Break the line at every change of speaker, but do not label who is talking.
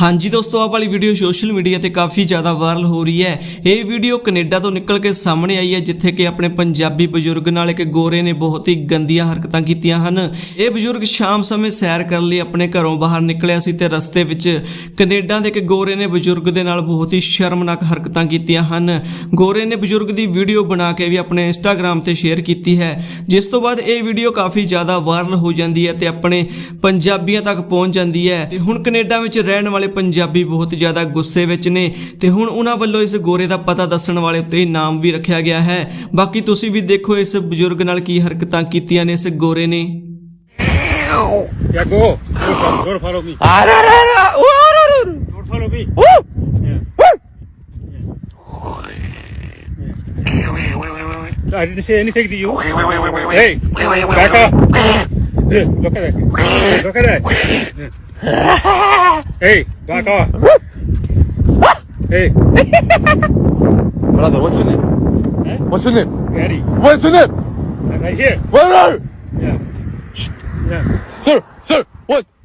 ਹਾਂਜੀ ਦੋਸਤੋ, ਆਹ ਵਾਲੀ ਵੀਡੀਓ ਸੋਸ਼ਲ ਮੀਡੀਆ ਤੇ ਕਾਫੀ ਜ਼ਿਆਦਾ ਵਾਇਰਲ ਹੋ ਰਹੀ ਹੈ। ਇਹ ਵੀਡੀਓ ਕੈਨੇਡਾ ਤੋਂ ਨਿਕਲ ਕੇ ਸਾਹਮਣੇ ਆਈ ਹੈ, ਜਿੱਥੇ ਕਿ ਆਪਣੇ ਪੰਜਾਬੀ ਬਜ਼ੁਰਗ ਨਾਲ ਇੱਕ ਗੋਰੇ ਨੇ ਬਹੁਤ ਹੀ ਗੰਦੀਆਂ ਹਰਕਤਾਂ ਕੀਤੀਆਂ ਹਨ। ਇਹ ਬਜ਼ੁਰਗ ਸ਼ਾਮ ਸਮੇਂ ਸੈਰ ਕਰਨ ਲਈ ਆਪਣੇ ਘਰੋਂ ਬਾਹਰ ਨਿਕਲਿਆ ਸੀ ਤੇ ਰਸਤੇ ਵਿੱਚ ਕੈਨੇਡਾ ਦੇ ਇੱਕ ਗੋਰੇ ਨੇ ਬਜ਼ੁਰਗ ਦੇ ਨਾਲ ਬਹੁਤ ਹੀ ਸ਼ਰਮਨਾਕ ਹਰਕਤਾਂ ਕੀਤੀਆਂ ਹਨ। ਗੋਰੇ ਨੇ ਬਜ਼ੁਰਗ ਦੀ ਵੀਡੀਓ ਬਣਾ ਕੇ ਵੀ ਆਪਣੇ ਇੰਸਟਾਗ੍ਰਾਮ ਤੇ ਸ਼ੇਅਰ ਕੀਤੀ ਹੈ, ਜਿਸ ਤੋਂ ਬਾਅਦ ਇਹ ਵੀਡੀਓ ਕਾਫੀ ਜ਼ਿਆਦਾ ਵਾਇਰਲ ਹੋ ਜਾਂਦੀ ਹੈ ਤੇ ਆਪਣੇ ਪੰਜਾਬੀਆਂ ਤੱਕ ਪਹੁੰਚ ਜਾਂਦੀ ਹੈ। ਤੇ ਹੁਣ ਕੈਨੇਡਾ ਵਿੱਚ ਰਹਿਣ ਵਾਲੇ ਪੰਜਾਬੀ ਬਹੁਤ ਜ਼ਿਆਦਾ ਗੁੱਸੇ ਵਿੱਚ ਨੇ ਤੇ ਹੁਣ ਉਹਨਾਂ ਵੱਲੋਂ ਇਸ ਗੋਰੇ ਦਾ ਪਤਾ ਦੱਸਣ ਵਾਲੇ ਉੱਤੇ ਨਾਮ ਵੀ ਰੱਖਿਆ ਗਿਆ ਹੈ। ਬਾਕੀ ਤੁਸੀਂ ਵੀ ਦੇਖੋ ਇਸ ਬਜ਼ੁਰਗ ਨਾਲ ਕੀ ਹਰਕਤਾਂ ਕੀਤੀਆਂ ਨੇ ਇਸ ਗੋਰੇ ਨੇ।
Yeah, go. Go follow me. Don't follow me. I didn't say anything to you. Hey, back up. Look at that. Look at that. Hey, back off. Hey.
Brother, what's your name?
Huh?
What's your name?
Gary.
What's your name?
Right here.
Where are you?
Yeah. Yeah.
Sir, what?